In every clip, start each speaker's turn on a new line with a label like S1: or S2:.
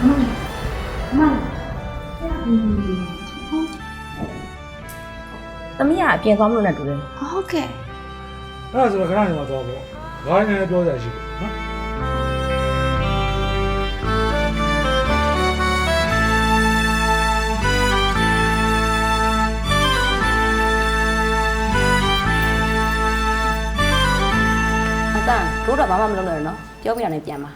S1: သမီးကအပြင်သွားမလို့နဲ့တူတယ်
S2: ဟုတ်ကဲ့
S3: အဲ့ဒါဆိုတော့ခဏနေမှသွားပေါ့ဘာလဲနည်းပြောကြရှိတယ်နော်
S1: အတန်တို့တော့ဘာမှမလုပ်နဲ့နော်ပြောပြရနေပြန်ပါ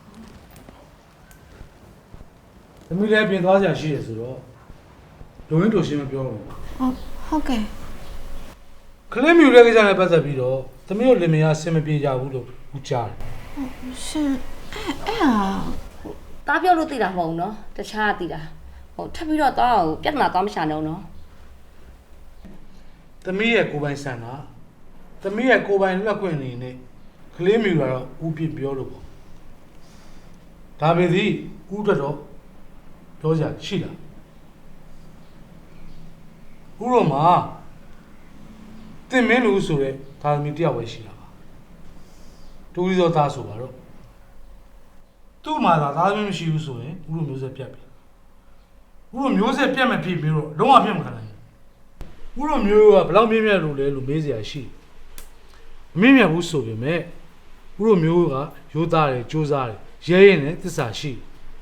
S3: သမီးလည်းပြင်သွားကြရှိတယ်ဆိုတော့လူရင်းတို့ရှင်းမပြောတော့ဘူး
S2: ဟုတ်ကဲ့
S3: ကလေးမျိုးတဲ့ကိစ္စနဲ့ပတ်သက်ပြီးတော့သမီးတို့လင်မယားဆင်မပြေကြဘူးလို့ဦးကြားတယ်
S2: ရှင်အဲ့ဟာ
S1: တားပြောလို့သိတာမဟုတ်ဘူးနော်တခြားသိတာဟိုထပ်ပြီးတော့တားကိုပြဿနာသွားမရှာနဲ့နော်
S3: သမီးရဲ့ကိုယ်ပိုင်ဆန္ဒသမီးရဲ့ကိုယ်ပိုင်လက်ခွင့်နေနဲ့ကလေးမျိုးကတော့ဦးပြပြောလို့ပေါ့ဒါပေသည်ဦးအတွက်တော့ပြောကြရှိလားဦးတော်မှာတင်မင်းလူဆိုတဲ့ဒါသမီးတယောက်ပဲရှိတာပါတူရီသောသားဆိုပါတော့သူ့မှာသာသားသမီးမရှိဘူးဆိုရင်ဦးတို့မျိုးဆက်ပြတ်ပြီဦးတို့မျိုးဆက်ပြတ်မဖြစ်ပြီးတော့လုံးဝပြတ်မခံနိုင်ဘူးဦးတို့မျိုးကဘယ်လောက်မြင့်မြတ်လို့လဲလို့မေးစရာရှိမမြင့်မြတ်ဘူးဆိုပေမဲ့ဦးတို့မျိုးကရိုးသားတယ်ကြိုးစားတယ်ရဲရင်နဲ့သစ္စာရှိ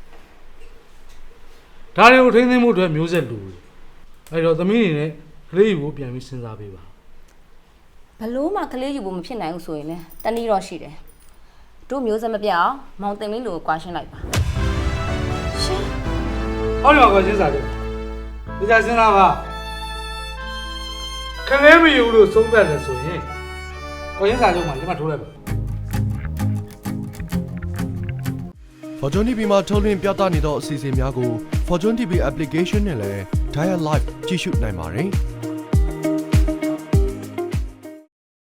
S3: ဒါတွေကိုထိန်းသိမ်းမှုအတွက်မျိုးဆက်လူတယ်အဲ့တော့သမီးအနေနဲ့ကလေးကိုပြန်ပြီးစဉ်းစားပေးပါ
S1: ဘလို့မှကလေးယူဖို့မဖြစ်နိုင်ဘူးဆိုရင်လည်းတနည်းတော့ရှိတယ်တို့မျိုးဆက်မပြတ်အောင်မောင်တင်မင်းလိုကွာရှင်းလိုက်ပါ
S2: ရှင်
S3: ဟောဒီမှာကစဉ်းစားတယ်ဒီစားစဉ်းစားပါကလေးမယူလို့သုံးသက်တယ်ဆိုရင်ကိုရင်းစာချုပ်မှာလက်မှတ်ထိုးလိုက်ပါ
S4: Fortune TV မှာထုတ်လွှင့်ပြသနေသောအစီအစဉ်များကို Fortune TV application နဲ့လည်း Dial Live ကြည့်ရှုနိုင်ပါတယ်။